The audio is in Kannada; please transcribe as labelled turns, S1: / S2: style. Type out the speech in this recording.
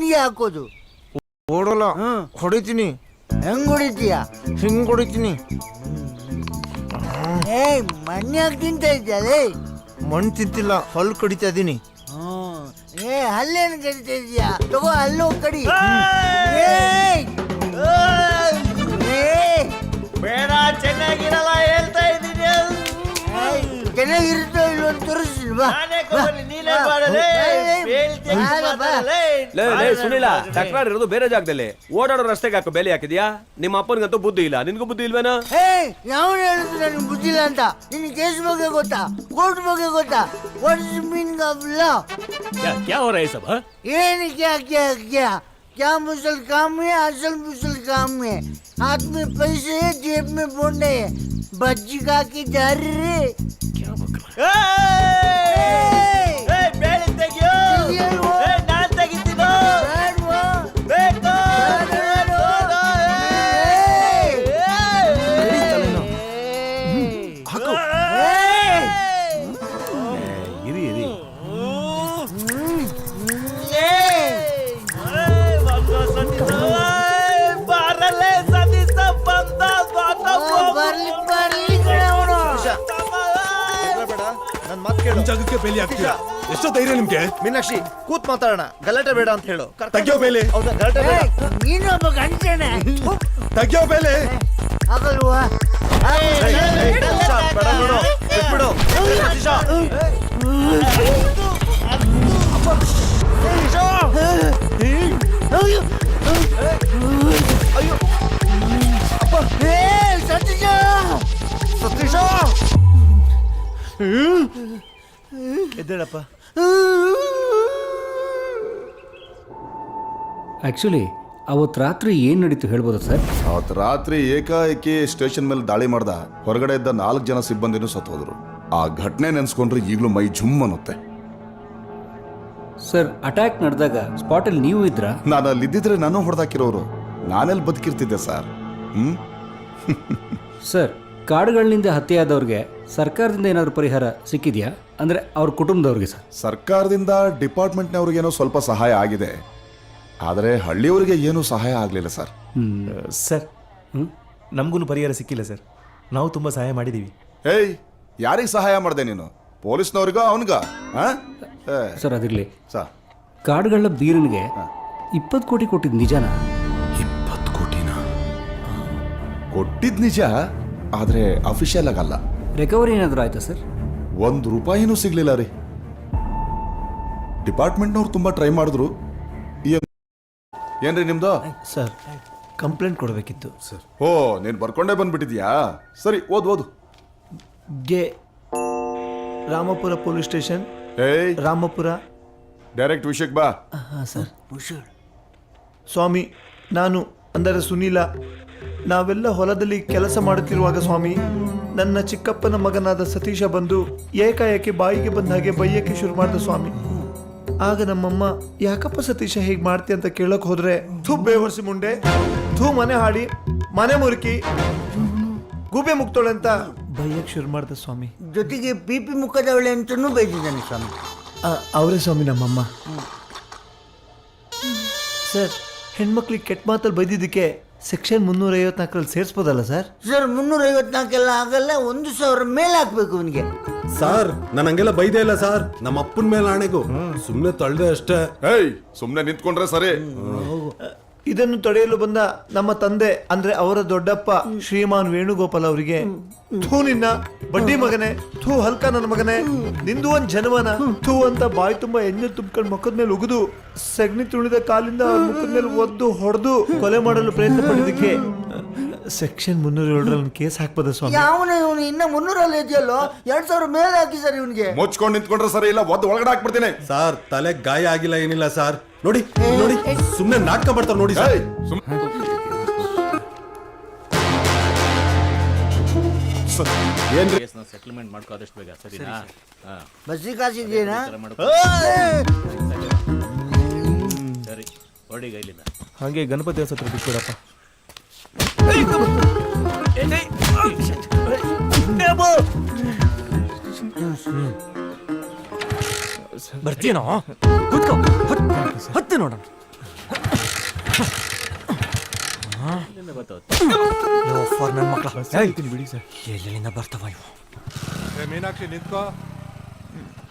S1: ನಿನಗೆ ಹಾಕೋದು.
S2: ಓಡಲ್ಲ, ಹೊಡಿತೀನಿ.
S1: ಹೆಂಗ್ ಹೊಡಿತೀಯ?
S2: ಹಿಂಗ್ ಹೊಡಿತೀನಿ.
S1: ಮಣ್ಯಾಗ ತಿಂತ ಇದ್ಯಾಲೇ?
S2: ಮಣ್ಣು ತಿಂತಿಲ್ಲ, ಹಲ್ಲು ಕಡಿತಾ ಇದೀನಿ.
S1: ಹಲ್ಲೇನು ಕಡಿತಾ ಇದೀಯಾ? ತಗೋ ಹಲ್ಲು ಕಡಿ.
S3: ಬೇಡ, ಚೆನ್ನಾಗಿರಲ್ಲ ಹೇಳ್ತಾ ಇದ್ದೀನಿ.
S1: ಚೆನ್ನಾಗಿರುತ್ತೋ ಇಲ್ಲೋ ಅಂತ ತೋರಿಸ್ತಿಲ್ವಾ?
S4: ಸುನಿಲ, ತಕರಾರು ಇರೋದು ಬೇರೆ ಜಾಗದಲ್ಲಿ. ಓಡಾಡೋ ರಸ್ತೆಗೆ ಹಾಕೋ ಬೇಲಿ ಹಾಕಿದ್ಯಾ? ನಿಮ್ಮ ಅಪ್ಪನಿಗಂತೂ ಬುದ್ಧಿ ಇಲ್ಲ, ನಿನ್ಗೂ ಬುದ್ಧಿ ಇಲ್ವೇನೋ?
S1: ಯಾವ ಹೇಳಿದ್ರು ನನಗೆ ಬುದ್ಧಿ ಇಲ್ಲ ಅಂತ? ನಿನ್ ಕೇಸ್ ಬಗ್ಗೆ ಗೊತ್ತಾ? ಕೋರ್ಟ್ ಬಗ್ಗೆ ಗೊತ್ತಾ? What is meaning of law?
S4: क्या हो रहा है सब?
S1: ಏನು क्या क्या क्या क्या मुसल काम है? असल मुसल काम है. हाथ में पैसे है, जेब में बोंडे है. बच्ची का की जा रही रे.
S4: क्या बक
S3: ಬೇಳೆ ತೆಗಿಯೋ. ನಾನ್ ತೆಗಿತೀನೋ. ಬೇಕು.
S4: ಇರಿ ಇರಿ.
S3: ಬಾರಲ್ಲೇ ಸತೀಶ ಬಂದ.
S1: ಬರ್ಲಿ ಬರ್ಲಿ ಕಡೆ ಅವನು.
S2: ನನ್ ಮಾತು ಕೇಳು.
S5: ಜಾಗಕ್ಕೆ ಬೇಲಿ ಹಾಕ್ತೀರಾ? ಎಷ್ಟೋ ಧೈರ್ಯ ನಿಮ್ಗೆ?
S2: ಮೀನಾಕ್ಷಿ, ಕೂತ್ ಮಾತಾಡೋಣ, ಗಲಾಟೆ ಬೇಡ ಅಂತ ಹೇಳು.
S5: ತೆಗ್ಯೋ ಬೇಲಿ.
S2: ಹೌದಾ, ಗಲಾಟೆ ಬೇಡ.
S1: ನೀನೊಬ್ಬ ಗಂಟೆನೆ.
S5: ತೆಗ್ಯೋ ಬೇಲಿ.
S1: ಆಗಲ್ವಾ?
S2: ಬೇಡ ನೋಡು, ಬಿಟ್ಬಿಡು. ಸತೀಶ. ಅಯ್ಯೋ ಅಪ್ಪ.
S1: ಸತೀಶ,
S2: ಸತೀಶ, ಎದ್ದೇಳಪ್ಪ.
S6: ಆ್ಯಕ್ಚುಲಿ ಅವತ್ತು ರಾತ್ರಿ ಏನು ನಡೀತು ಹೇಳ್ಬೋದಾ ಸರ್?
S7: ಅವತ್ತು ರಾತ್ರಿ ಏಕಾಏಕಿ ಸ್ಟೇಷನ್ ಮೇಲೆ ದಾಳಿ ಮಾಡ್ದ. ಹೊರಗಡೆ ಇದ್ದ 4 ಜನ ಸಿಬ್ಬಂದಿನೂ ಸತ್ತೋದ್ರು. ಆ ಘಟನೆ ನೆನೆಸ್ಕೊಂಡ್ರೆ ಈಗಲೂ ಮೈ ಜುಮ್ ಅನ್ನುತ್ತೆ.
S6: ಸರ್, ಅಟ್ಯಾಕ್ ನಡೆದಾಗ ಸ್ಪಾಟಲ್ಲಿ ನೀವು ಇದ್ರಾ?
S7: ನಾನು ಅಲ್ಲಿದ್ದಿದ್ರೆ ನಾನು ಹೊಡೆದಾಕಿರೋರು. ನಾನೆಲ್ಲಿ ಬದುಕಿರ್ತಿದ್ದೆ ಸರ್.
S6: ಸರ್, ಕಾಡುಗಳಿಂದ ಹತ್ಯೆಯಾದವ್ರಿಗೆ ಸರ್ಕಾರದಿಂದ ಏನಾದರೂ ಪರಿಹಾರ ಸಿಕ್ಕಿದೆಯಾ? ಅಂದರೆ ಅವ್ರ ಕುಟುಂಬದವ್ರಿಗೆ ಸರ್.
S7: ಸರ್ಕಾರದಿಂದ ಡಿಪಾರ್ಟ್ಮೆಂಟ್ನವ್ರಿಗೇನೋ ಸ್ವಲ್ಪ ಸಹಾಯ ಆಗಿದೆ, ಆದರೆ ಹಳ್ಳಿಯವರಿಗೆ ಏನೂ ಸಹಾಯ ಆಗಲಿಲ್ಲ ಸರ್.
S8: ಸರ್, ನಮಗೂ ಪರಿಹಾರ ಸಿಕ್ಕಿಲ್ಲ ಸರ್. ನಾವು ತುಂಬ ಸಹಾಯ ಮಾಡಿದ್ದೀವಿ.
S7: ಏಯ್, ಯಾರಿಗೆ ಸಹಾಯ ಮಾಡಿದೆ ನೀನು? ಪೊಲೀಸ್ನವ್ರಿಗೋ ಅವನಿಗ?
S6: ಸರ್ ಅದಿರಲಿ,
S7: ಸರ್,
S6: ಕಾಡುಗಳ ಬೀರನಿಗೆ 20 ಕೋಟಿ ಕೊಟ್ಟಿದ್ದು ನಿಜನಾ?
S7: 20 ಕೋಟಿನ ಕೊಟ್ಟಿದ್ ನಿಜ, ಆದರೆ ಅಫಿಷಿಯಲ್ ಆಗಲ್ಲ.
S6: ರಿಕವರಿ ಏನಾದರೂ ಆಯ್ತಾ ಸರ್?
S7: 1 ರೂಪಾಯಿನೂ ಸಿಗ್ಲಿಲ್ಲ ರೀ. ಡಿಪಾರ್ಟ್ಮೆಂಟ್ನವ್ರು ತುಂಬಾ ಟ್ರೈ ಮಾಡಿದ್ರು. ಏನ್ರಿ ನಿಮ್ದು?
S8: ಸರ್, ಕಂಪ್ಲೇಂಟ್ ಕೊಡಬೇಕಿತ್ತು ಸರ್.
S7: ಓ, ನೀನು ಬರ್ಕೊಂಡೇ ಬಂದ್ಬಿಟ್ಟಿದ್ಯಾ? ಸರಿ, ಓದು.
S8: ಗೆ ರಾಮಪುರ ಪೊಲೀಸ್ ಸ್ಟೇಷನ್.
S7: ಏಯ್,
S8: ರಾಮಪುರ.
S7: ಡೈರೆಕ್ಟ್ ವಿಷಯಕ್ಕೆ ಬಾ.
S8: ಹಾಂ ಸರ್. ಸ್ವಾಮಿ, ನಾನು ಅಂದರೆ ಸುನೀಲ, ನಾವೆಲ್ಲ ಹೊಲದಲ್ಲಿ ಕೆಲಸ ಮಾಡುತ್ತಿರುವಾಗ ಸ್ವಾಮಿ, ನನ್ನ ಚಿಕ್ಕಪ್ಪನ ಮಗನಾದ ಸತೀಶ ಬಂದು ಏಕಾಏಕಿ ಬಾಯಿಗೆ ಬಂದ ಹಾಗೆ ಬೈಯಕ್ಕೆ ಶುರು ಮಾಡಿದ ಸ್ವಾಮಿ. ಆಗ ನಮ್ಮಮ್ಮ, ಯಾಕಪ್ಪ ಸತೀಶ ಹೀಗೆ ಮಾಡ್ತಿ ಅಂತ ಕೇಳಕ್ ಹೋದ್ರೆ, ಥೂ ಬೇವರ್ಸಿ ಮುಂಡೆ, ಥೂ ಮನೆ ಹಾಡಿ, ಮನೆ ಮುರುಕಿ, ಗೂಬೆ ಮುಕ್ತೋಳೆ ಅಂತ ಬೈಯಕ್ಕೆ ಶುರು ಮಾಡ್ದ ಸ್ವಾಮಿ.
S1: ಜೊತೆಗೆ ಪಿಪಿ ಮುಖದವಳೆ ಅಂತನೂ ಬೈದಿದ್ದಾನೆ ಸ್ವಾಮಿ.
S8: ಅವರೇ ಸ್ವಾಮಿ ನಮ್ಮಮ್ಮ. ಸರ್, ಹೆಣ್ಮಕ್ಳಿಗೆ ಕೆಟ್ಟ ಮಾತಲ್ಲಿ ಬೈದಿದ್ದಕ್ಕೆ ಸೆಕ್ಷನ್ 354ರಲ್ಲಿ ಸೇರಿಸ್ಬೋದಲ್ಲ ಸರ್?
S1: ಸರ್, 354 ಆಗಲ್ಲ, 1000 ಮೇಲೆ ಹಾಕ್ಬೇಕು ಅವನಿಗೆ.
S5: ಸರ್, ನಾನು ಹಂಗೆಲ್ಲ ಬೈದೇ ಇಲ್ಲ ಸರ್. ನಮ್ಮ ಅಪ್ಪನ ಮೇಲೆ ಆಣೆಗೂ ಸುಮ್ಮನೆ ತಳ್ದೆ ಅಷ್ಟೇ.
S7: ಏಯ್, ಸುಮ್ಮನೆ ನಿಂತ್ಕೊಂಡ್ರೆ ಸರಿ.
S8: ಇದನ್ನು ತಡೆಯಲು ಬಂದ ನಮ್ಮ ತಂದೆ ಅಂದ್ರೆ ಅವರ ದೊಡ್ಡಪ್ಪ ಶ್ರೀಮಾನ್ ವೇಣುಗೋಪಾಲ್ ಅವರಿಗೆ, ಥೂ ನಿನ್ನ ಬಡ್ಡಿ ಮಗನೇ, ಥೂ ಹಲ್ಕ ನನ್ನ ಮಗನೇ, ನಿಂದು ಒಂದ್ ಜನವನ, ಥೂ ಅಂತ ಬಾಯಿ ತುಂಬಾ ಎಣ್ಣೆ ತುಂಬ್ಕೊಂಡು ಮುಖದ ಮೇಲೆ ಉಗಿದು ಸಗಣಿ ತುಳಿದ ಕಾಲಿಂದ ಮುಖದ ಮೇಲೆ ಒದ್ದು ಹೊಡೆದು ಕೊಲೆ ಮಾಡಲು ಪ್ರಯತ್ನ ಪಡಿದಕ್ಕೆ ಸೆಕ್ಷನ್ 307ರಲ್ಲಿ ಕೇಸ್ ಹಾಕ್ಬೋದ ಸ್ವಾಮಿ?
S1: ಯಾವನ ಇವನು ಇನ್ನ 300 ಇದೆಯಲ್ಲೋ, 2000 ಮೇಲೆ ಹಾಕಿ ಸರ್ ಇವನಿಗೆ.
S7: ಮುಚ್ಕೊಂಡು ನಿಂತ್ಕೊಂಡ್ರೆ ಸರಿ, ಇಲ್ಲ ಒದ್ದು ಒಳಗಡೆ ಹಾಕ್ಬಿಡ್ತೀನಿ.
S5: ಸರ್, ತಲೆ ಗಾಯ ಆಗಿಲ್ಲ, ಏನಿಲ್ಲ ಸರ್. ನೋಡಿ ನೋಡಿ, ಸುಮ್ಮನೆ ನಾಟಕ ಮಾಡ್ತಾರೆ ನೋಡಿ ಸರ್.
S7: ಏನ್ರಿ
S4: ಸೆಟಲ್ಮೆಂಟ್ ಮಾಡ್ಕೋ ಆದಷ್ಟು ಬೇಗ, ಸರಿನಾ?
S1: ಬಸ್ಸಿ ಕಾಸಿದೆಯಾ?
S4: ಸರಿ, ಹೊರಡಿಗ ಇಲ್ಲಿಂದ.
S8: ಹಾಗೆ ಗಣಪತಿ ಹತ್ರ ಬಿಟ್ಬಿಡಪ್ಪ.
S3: ಬರ್ತೀನೋ? ಕೂತ್ಕೋ, ಹತ್ತು ನೋಡೋಣ.
S2: ನನ್ನ ಮಕ್ಕಳ
S3: ಬಿಡಿ ಸರ್
S2: ಎಲ್ಲಿಂದ ಬರ್ತಾವ ಇವು
S5: ಮೀನಾಕ್ಷಿ ನಿಂತ್ಕೋ